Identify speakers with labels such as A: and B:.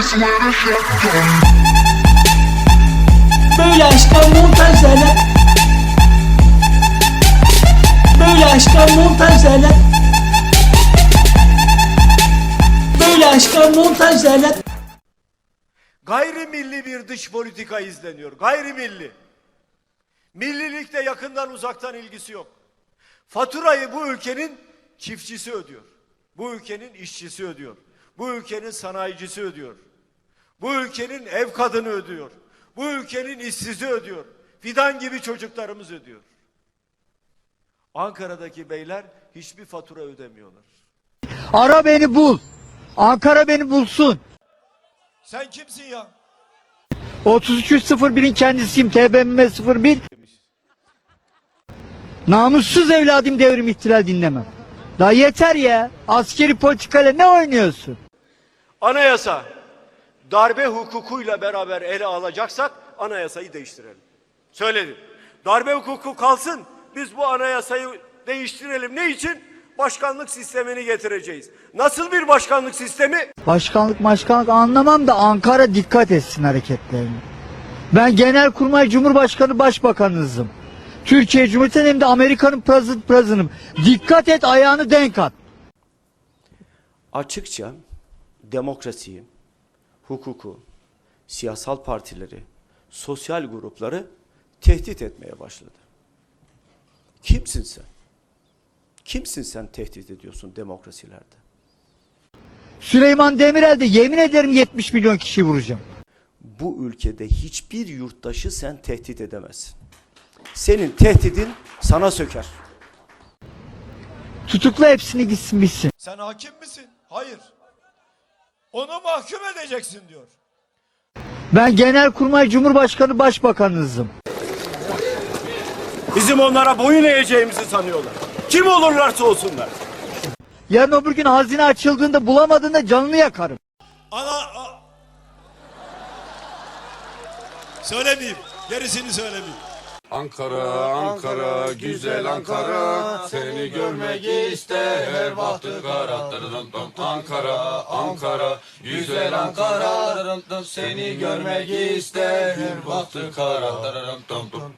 A: Böyle aşka montajlarla, böyle aşka montajlarla, böyle aşka montajlarla.
B: Gayrimilli bir dış politika izleniyor. Gayrimilli. Millilikle yakından uzaktan ilgisi yok. Faturayı bu ülkenin çiftçisi ödüyor. Bu ülkenin işçisi ödüyor. Bu ülkenin sanayicisi ödüyor. Bu ülkenin ev kadını ödüyor. Bu ülkenin işsizi ödüyor. Fidan gibi çocuklarımız ödüyor. Ankara'daki beyler hiçbir fatura ödemiyorlar.
C: Ara beni bul. Ankara beni bulsun.
B: Sen kimsin ya?
C: 3301'in kendisiyim. TBMM 01. Namussuz evladım, devrim ihtilal dinlemem. Daha yeter ya. Askeri politikayla ne oynuyorsun?
B: Anayasa darbe hukukuyla beraber ele alacaksak anayasayı değiştirelim. Söyledim. Darbe hukuku kalsın. Biz bu anayasayı değiştirelim. Ne için? Başkanlık sistemini getireceğiz. Nasıl bir başkanlık sistemi?
C: Başkanlık anlamam da Ankara dikkat etsin hareketlerine. Ben Genelkurmay Cumhurbaşkanı Başbakanınızım. Türkiye Cumhuriyeti'nin hem de Amerika'nın president'ım. Dikkat et, ayağını denk at.
D: Açıkça demokrasiyi, hukuku, siyasal partileri, sosyal grupları tehdit etmeye başladı. Kimsin sen? Kimsin sen tehdit ediyorsun demokrasilerde?
C: Süleyman Demirel de yemin ederim 70 milyon kişi vuracağım.
D: Bu ülkede hiçbir yurttaşı sen tehdit edemezsin. Senin tehdidin sana söker.
C: Tutukla hepsini, gitsin bitsin.
B: Sen hakim misin? Hayır. Onu mahkum edeceksin diyor.
C: Ben Genelkurmay Cumhurbaşkanı Başbakanınızım.
B: Bizim onlara boyun eğeceğimizi sanıyorlar. Kim olurlarsa olsunlar.
C: Yarın öbür gün hazine açıldığında bulamadığında canını yakarım.
B: Söylemeyeyim. Gerisini söylemeyeyim.
E: Ankara, Ankara, güzel Ankara, seni görmek ister bahtı kara. Ankara, Ankara, güzel Ankara, seni görmek ister bahtı kara.